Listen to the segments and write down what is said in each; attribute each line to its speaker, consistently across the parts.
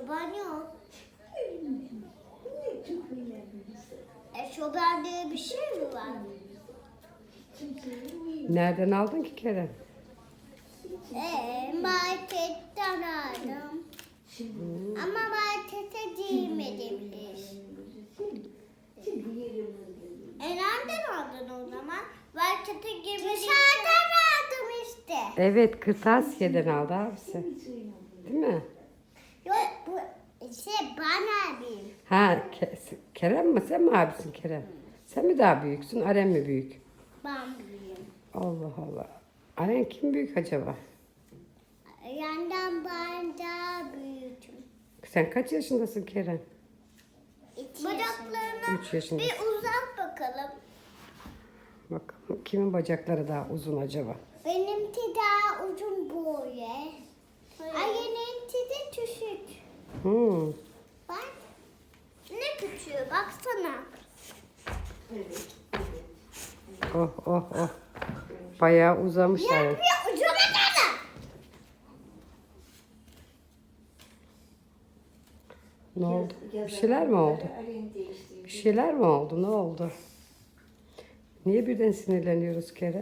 Speaker 1: Eşofman yok. Eşofman diye bir şey mi var?
Speaker 2: Nereden aldın ki Kerem?
Speaker 1: Marketten aldım. Ama markete giymedim hiç. Nereden aldın o zaman? Markete girmedim. Dışarıdan aldım işte.
Speaker 2: Evet, kırtasiyeden aldı abisi. Değil mi?
Speaker 1: Yok bu bana abim.
Speaker 2: Ha, Kerem mi? Sen mi abisin Kerem? Sen mi daha büyüksün? Aren mi büyük?
Speaker 1: Ben büyüğüm.
Speaker 2: Allah Allah. Aren kim büyük acaba?
Speaker 1: Yandan ben daha büyüdüm.
Speaker 2: Sen kaç yaşındasın Kerem?
Speaker 1: Bacaklarına
Speaker 2: 3 yaşındasın.
Speaker 1: bir uzat bakalım.
Speaker 2: Bakalım kimin bacakları daha uzun acaba?
Speaker 1: Benimki daha uzun böyle. Ayınınki de küçük.
Speaker 2: Hmm.
Speaker 1: Bak. Ne küçüğü baksana.
Speaker 2: Oh oh oh. Bayağı uzamış Aren.
Speaker 1: Yapıyor ucuna kadar.
Speaker 2: Ne oldu? Bir şeyler mi oldu? Bir şeyler mi oldu? Ne oldu? Niye birden sinirleniyoruz Kerem?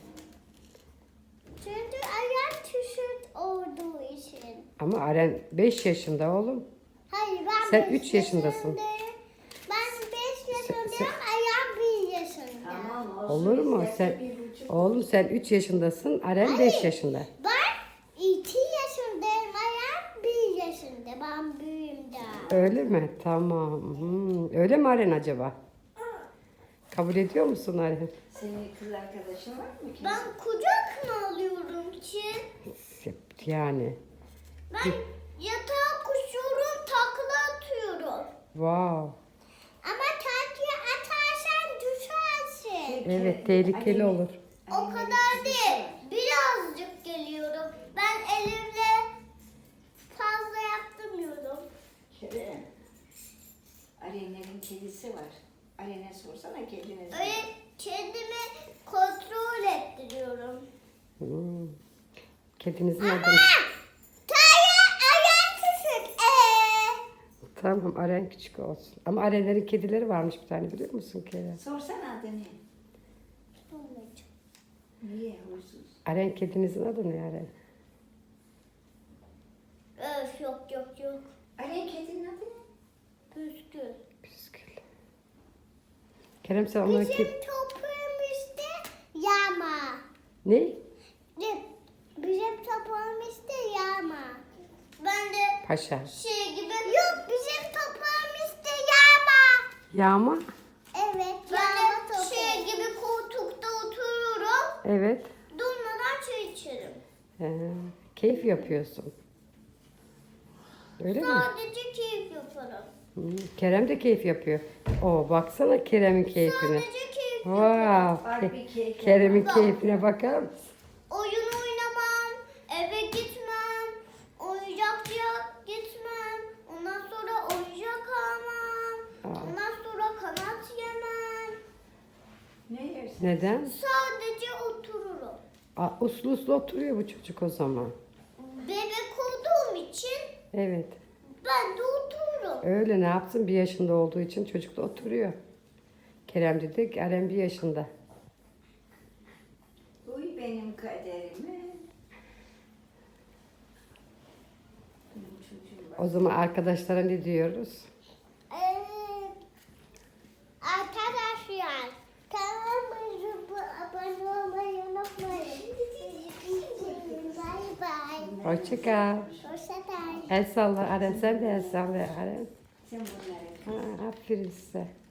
Speaker 1: Çünkü ayağım küçük olduğu için.
Speaker 2: Ama Aren 5 yaşında oğlum.
Speaker 1: Hayır ben
Speaker 2: Sen
Speaker 1: 5
Speaker 2: 3 yaşındasın.
Speaker 1: yaşındayım. Ben 5 yaşındayım, ayağım 1 yaşında.
Speaker 2: Olur mu? Oğlum sen 3 yaşındasın. Aren 5 yaşında.
Speaker 1: Ben 2 yaşındayım, ayağım 1 yaşında. Ben büyüğüm daha.
Speaker 2: Öyle mi? Tamam. Öyle mi Aren acaba? Kabul ediyor musun Aren?
Speaker 3: Senin kız arkadaşın var mı ki?
Speaker 1: Ben kucak mı alıyorum ki?
Speaker 2: Yani.
Speaker 1: Ben yatağa koşuyorum, takla atıyorum.
Speaker 2: Wow.
Speaker 1: Ama takla atarsan düşersin.
Speaker 2: Evet, tehlikeli olur.
Speaker 1: O kadar değil. Birazcık geliyorum. Ben elimle fazla yaptırmıyorum.
Speaker 3: Kerem. Arenlerin kedisi var. Arene sorsana kedine.
Speaker 1: Öyle kendimi kontrol ettiriyorum.
Speaker 2: Kedinizin
Speaker 1: Ama
Speaker 2: adını.
Speaker 1: ayağı küçük.
Speaker 2: Tamam, Aren küçük olsun. Ama Arenlerin kedileri varmış bir tane, biliyor musun Kerem?
Speaker 3: Sorsana adını. Niye huysuz?
Speaker 2: Aren kedinizin adı ne Aren?
Speaker 1: Öf yok.
Speaker 3: Aren kedinin adı ne?
Speaker 1: Püskül.
Speaker 2: Püskül. Kerem sen onları
Speaker 1: Bizim toprağım işte yağma.
Speaker 2: Ne?
Speaker 1: Bizim toprağım işte yağma. Ben de
Speaker 2: Paşa.
Speaker 1: şey gibi. Yok bizim toprağım işte yağma.
Speaker 2: Yağma?
Speaker 1: Evet. Ben de şey gibi koltukta otururum.
Speaker 2: Evet.
Speaker 1: Durmadan çay içerim.
Speaker 2: Keyif yapıyorsun. Öyle mi?
Speaker 1: Sadece keyif yaparım.
Speaker 2: Kerem de keyif yapıyor. Oo, baksana Kerem'in keyfine.
Speaker 1: Sadece keyif
Speaker 2: Wow.
Speaker 3: Bak bir keyif
Speaker 2: Kerem'in keyfine bakar mısın?
Speaker 1: Oyun oynamam, eve gitmem, oyuncakçıya gitmem, ondan sonra oyuncak almam, ondan sonra kanat yemem.
Speaker 3: Ne yersin?
Speaker 2: Neden?
Speaker 1: Sadece otururum.
Speaker 2: Uslu uslu oturuyor bu çocuk o zaman.
Speaker 1: Bebek olduğum için
Speaker 2: Evet.
Speaker 1: ben de otururum.
Speaker 2: Öyle ne yapsın? 1 yaşında olduğu için çocuk da oturuyor. Kerem dedi, Aren 1 yaşında.
Speaker 3: Uy benim kaderime. Benim çocuğum var.
Speaker 2: O zaman arkadaşlara ne diyoruz?
Speaker 1: Arkadaşlar, kanalıma abone olmayı unutmayın. Bye bye.
Speaker 2: Hoşça kal.
Speaker 1: Hoşçakalın.
Speaker 2: El salla Aren, sen de el salla Aren.
Speaker 3: Sen bunları.
Speaker 2: Aferin size.